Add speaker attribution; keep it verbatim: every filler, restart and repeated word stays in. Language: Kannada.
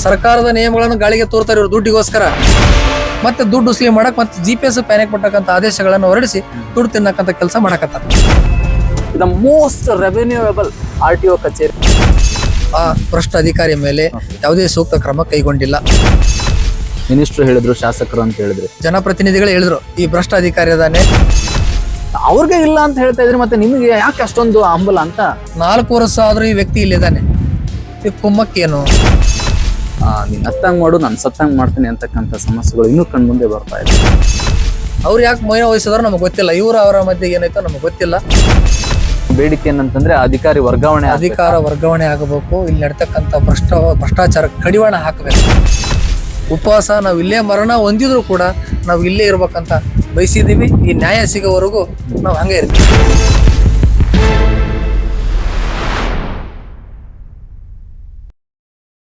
Speaker 1: ಸರ್ಕಾರದ ನಿಯಮಗಳನ್ನು ಗಾಳಿಗೆ ತೋರ್ತಾರೆ ಇವರು ದುಡ್ಡಿಗೋಸ್ಕರ. ಮತ್ತೆ ದುಡ್ಡು ಉಸ್ಲಿ ಮಾಡಕ್ ಮತ್ತೆ ಜಿ ಪಿ ಎಸ್ ಪ್ಯಾನಿಕ್ ಕೊಟ್ಟಕ್ಕಂತ ಆದೇಶಗಳನ್ನು ಹೊರಡಿಸಿ ದುಡ್ಡು ತಿನ್ನಕ್ಕಂತ ಕೆಲಸ ಮಾಡಕತ್ತಾರ.
Speaker 2: The most revenueable R T O ಕಚೇರಿ.
Speaker 1: ಆ ಭ್ರಷ್ಟ ಅಧಿಕಾರಿ ಮೇಲೆ ಯಾವುದೇ ಸೂಕ್ತ ಕ್ರಮ ಕೈಗೊಂಡಿಲ್ಲ.
Speaker 2: ಮಿನಿಸ್ಟ್ರು ಹೇಳಿದ್ರು, ಶಾಸಕರು ಅಂತ ಹೇಳಿದ್ರು,
Speaker 1: ಜನಪ್ರತಿನಿಧಿಗಳು ಹೇಳಿದ್ರು ಈ ಭ್ರಷ್ಟ ಅಧಿಕಾರಿ ಅದಾನೆ.
Speaker 2: ಅವ್ರಿಗೆ ಇಲ್ಲ ಅಂತ ಹೇಳ್ತಾ ಇದ್ರಿ, ಮತ್ತೆ ನಿಮಗೆ ಯಾಕೆ ಅಷ್ಟೊಂದು ಹಂಬಲ ಅಂತ?
Speaker 1: ನಾಲ್ಕು ವರ್ಷ ಆದ್ರೂ ಈ ವ್ಯಕ್ತಿ ಇಲ್ಲಿದ್ದಾನೆ. ಈ ಕುಮ್ಮಕ್ಕೇನು?
Speaker 2: ನೀನ್ ಹತ್ತಂಗ್ ಮಾಡು, ನಾನು ಸತ್ತಂಗ್ ಮಾಡ್ತೀನಿ ಅಂತಕ್ಕಂಥ ಸಮಸ್ಯೆಗಳು ಇನ್ನೂ ಕಣ್ ಮುಂದೆ ಬರ್ತಾ ಇದೆ.
Speaker 1: ಅವ್ರು ಯಾಕೆ ಮೌನ ವಹಿಸಿದ್ರು ನಮಗೆ ಗೊತ್ತಿಲ್ಲ. ಇವರು ಅವರ ಮಧ್ಯೆ ಏನಾಯ್ತೋ ನಮಗೆ ಗೊತ್ತಿಲ್ಲ.
Speaker 2: ಬೇಡಿಕೆ ಏನಂತಂದ್ರೆ ಅಧಿಕಾರಿ ವರ್ಗಾವಣೆ,
Speaker 1: ಅಧಿಕಾರ ವರ್ಗಾವಣೆ ಆಗಬೇಕು. ಇಲ್ಲಿ ನಡ್ತಕ್ಕಂಥ ಭ್ರಷ್ಟ ಭ್ರಷ್ಟಾಚಾರ ಕಡಿವಾಣ ಹಾಕಬೇಕು. ಉಪವಾಸ ನಾವು ಇಲ್ಲೇ ಮರಣ ಹೊಂದಿದ್ರು ಕೂಡ ನಾವು ಇಲ್ಲೇ ಇರ್ಬೇಕಂತ ಬಯಸಿದೀವಿ. ಈ ನ್ಯಾಯ ಸಿಗೋವರೆಗೂ ನಾವು ಹಂಗೆ ಇರ್ತೀವಿ.